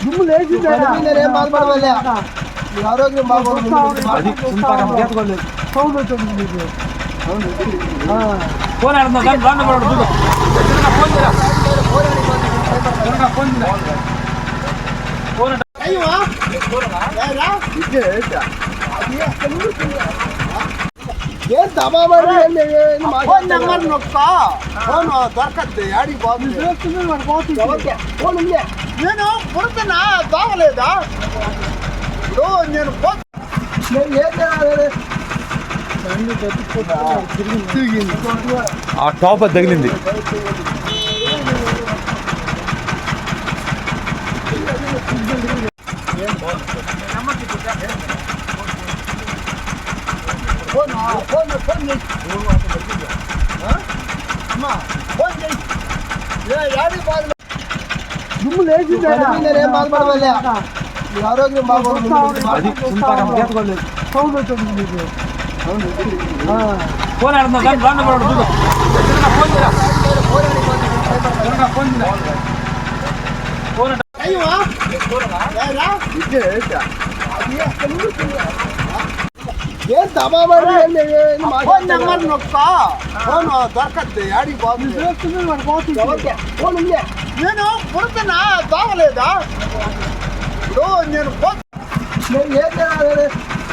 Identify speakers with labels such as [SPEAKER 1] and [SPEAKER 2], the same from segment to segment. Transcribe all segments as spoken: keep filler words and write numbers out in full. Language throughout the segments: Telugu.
[SPEAKER 1] దుమ్ము లేచింది
[SPEAKER 2] ఏం బాధపడలే ఆరోగ్యం బాగుంది
[SPEAKER 1] సౌండ్ వచ్చింది మీకు
[SPEAKER 3] ఫోన్
[SPEAKER 2] ఏం తమాబడి ఫోన్ నెంబర్ నొక్క ఫోన్ దొరకద్దు ఆడికి పోతుంది ఫోన్ ఉంది నేను పుడుతున్నా బాగలేదా ఇప్పుడు నేను నేను ఏం చేయాలి
[SPEAKER 3] ఆ టాప్ అది తగిలింది
[SPEAKER 2] ఫోన్ ఫోన్ ఫోన్ అమ్మా ఫోన్ చేయి ఆడికి పోదు
[SPEAKER 1] దుమ్ము లేచింది
[SPEAKER 2] ఏం బాధపడలే ఆరోగ్యం బాగుంది
[SPEAKER 1] సౌండ్ వచ్చింది మీకు
[SPEAKER 3] ఫోన్
[SPEAKER 2] ఏం తమాబడి ఫోన్ నెంబర్ నొక్క ఫోన్ దొరకద్దు ఆడికి పోతుంది ఫోన్ ఉంది నేను పుడుతున్నా బాగలేదా ఇప్పుడు నేను నేను ఏం చేయాలి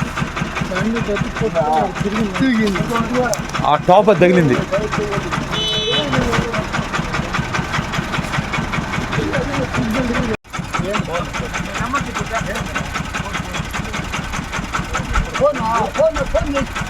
[SPEAKER 3] ఆ టాప్ అది తగిలింది
[SPEAKER 2] ఫోన్ ఫోన్ ఫోన్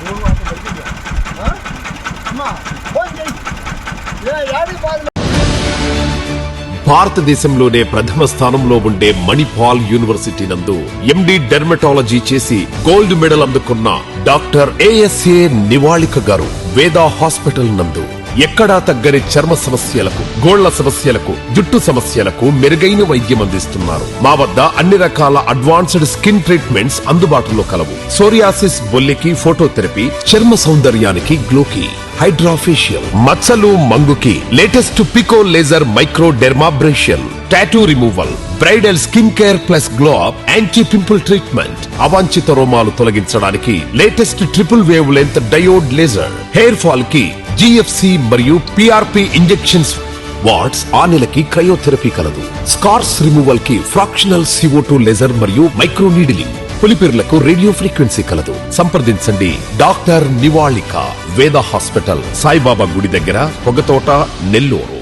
[SPEAKER 2] అమ్మా ఫోన్ చేయి ఆడికి పోదు
[SPEAKER 4] భారతదేశంలోనే ప్రథమ స్థానంలో ఉండే మణిపాల్ యూనివర్సిటీ నందు ఎండి డెర్మటాలజీ చేసి గోల్డ్ మెడల్ అందుకున్న డాక్టర్ ఏఎస్ఏ నివాళిక గారు వేదా హాస్పిటల్ నందు ఎక్కడా తగ్గని చర్మ సమస్యలకు, గోళ్ల సమస్యలకు, జుట్టు సమస్యలకు మెరుగైన వైద్యం అందిస్తున్నారు. మా వద్ద అన్ని రకాల అడ్వాన్స్డ్ స్కిన్ ట్రీట్మెంట్స్ అందుబాటులో కలవు. సోరియాసిస్, బొల్లికి ఫోటోథెరపీ, చర్మ సౌందర్యానికి గ్లోకి, హైడ్రాఫేషియల్, మచ్చలు మంగుకి latest pico laser micro dermabrasion, tattoo removal, bridal skin care plus glow up, anti pimple treatment, అవాంఛిత రోమాలు తొలగించడానికి latest triple wavelength diode laser, hair fall కి జిఎఫ్సి మరియు పిఆర్పి ఇంజెక్షన్స్, వాట్స్ ఆ నెలకి క్రయోథెరపీ కలదు. స్కార్స్ రిమూవల్ కి ఫ్రాక్షనల్ సిఓ టూ లేజర్ మరియు మైక్రో నీడిలింగ్, పులిపిర్లకు రేడియో ఫ్రీక్వెన్సీ కలదు. సంప్రదించండి డాక్టర్ నివాళిక, వేద హాస్పిటల్, సాయిబాబా గుడి దగ్గర, పొగతోట, నెల్లూరు.